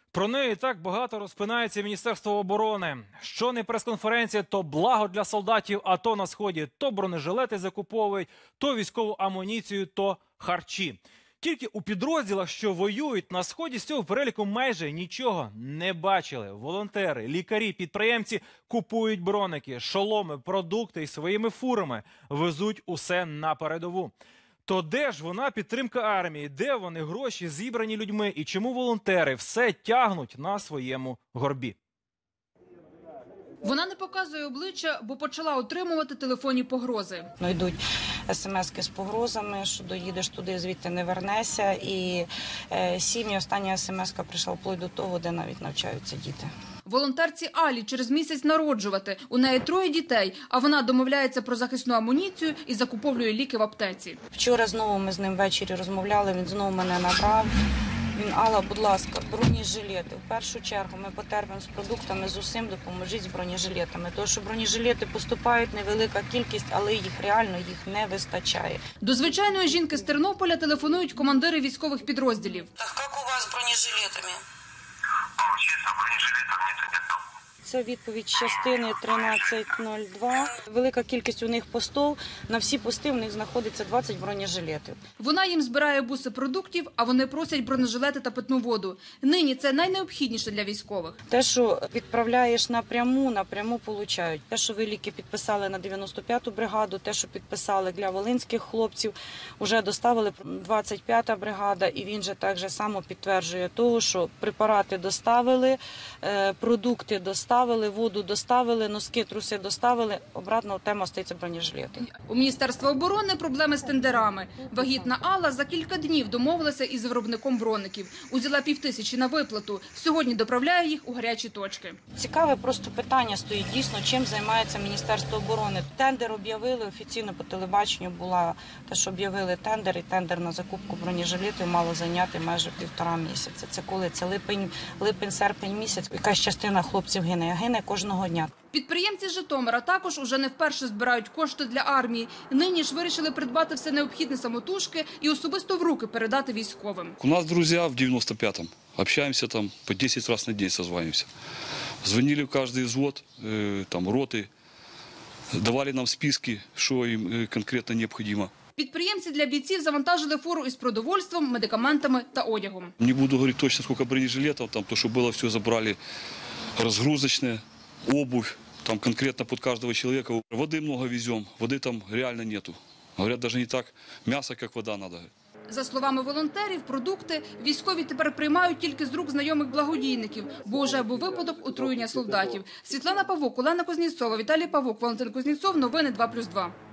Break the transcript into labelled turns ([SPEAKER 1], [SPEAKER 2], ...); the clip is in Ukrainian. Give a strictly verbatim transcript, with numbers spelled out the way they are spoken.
[SPEAKER 1] Про неї так багато розпинається Міністерство оборони. Що не прес-конференція, то благо для солдатів АТО на Сході. То бронежилети закуповують, то військову амуніцію, то харчі. Тільки у підрозділах, що воюють на Сході, з цього переліку майже нічого не бачили. Волонтери, лікарі, підприємці купують броники, шоломи, продукти і своїми фурами везуть усе на передову. То де ж вона підтримка армії? Де вони гроші, зібрані людьми? І чому волонтери все тягнуть на своєму горбі?
[SPEAKER 2] Вона не показує обличчя, бо почала отримувати телефонні погрози.
[SPEAKER 3] Ну, йдуть смски з погрозами, що доїдеш туди, звідти не вернешся. І е, сім'ї, остання смска прийшла вплоть до того, де навіть навчаються діти.
[SPEAKER 2] Волонтерці Алі через місяць народжувати. У неї троє дітей, а вона домовляється про захисну амуніцію і закуповує ліки в аптеці.
[SPEAKER 3] Вчора знову ми з ним ввечері розмовляли, він знову мене набрав. Він: Алла, будь ласка, бронежилети. В першу чергу ми потерпимо з продуктами, з усім, допоможіть з бронежилетами. Тому що бронежилети поступають, невелика кількість, але їх реально їх не вистачає.
[SPEAKER 2] До звичайної жінки з Тернополя телефонують командири військових підрозділів.
[SPEAKER 3] Так як у вас з бронежилетами?
[SPEAKER 4] Чисто бронежилетов нет, нет.
[SPEAKER 3] Це відповідь частини тринадцять нуль два. Велика кількість у них постів. На всі пости в них знаходиться двадцять бронежилетів.
[SPEAKER 2] Вона їм збирає буси продуктів, а вони просять бронежилети та питну воду. Нині це найнеобхідніше для військових.
[SPEAKER 3] Те, що відправляєш напряму, напряму получають. Те, що ви ліки підписали на дев'яносто п'яту бригаду, те, що підписали для волинських хлопців, вже доставили двадцять п'ята бригада, і він же так же само підтверджує того, що препарати доставили, продукти доставили, воду доставили, носки, труси доставили. Обратно тема стається бронежилети.
[SPEAKER 2] У Міністерства оборони проблеми з тендерами. Вагітна Алла за кілька днів домовилася із виробником броників. Узяла півтисячі на виплату. Сьогодні доправляє їх у гарячі точки.
[SPEAKER 3] Цікаве просто питання стоїть дійсно, чим займається Міністерство оборони. Тендер об'явили, офіційно по телебаченню була те, що об'явили тендер, і тендер на закупку бронежилетів мало зайняти майже півтора місяця. Це коли? Це липень, липень-серпень місяць. Якась частина хлопців гине. Гине кожного дня.
[SPEAKER 2] Підприємці з Житомира також уже не вперше збирають кошти для армії. Нині ж вирішили придбати все необхідне самотужки і особисто в руки передати військовим.
[SPEAKER 5] У нас друзі в девяносто пятом. Общаемся там по десять раз на день, созваниваемся. Звонили в каждый взвод, там роты, давали нам списки, що їм конкретно необхідно.
[SPEAKER 2] Підприємці для бійців завантажили фуру із продовольством, медикаментами та одягом.
[SPEAKER 5] Не буду говорити точно, скільки бронежилетів, там то, що було, все забрали. Разгрузочная, обувь, там конкретно под каждого человека. Воды много везем, воды там реально нету. Говорят, даже не так мясо, как вода надо.
[SPEAKER 2] За словами волонтерів, продукти військові тепер приймають тільки з рук знайомих благодійників, бо вже був випадок отруєння солдатів. Світлана Павук, Олена Кузнєцова, Віталій Павук, Валентин Кузнєцов. Новини два плюс два.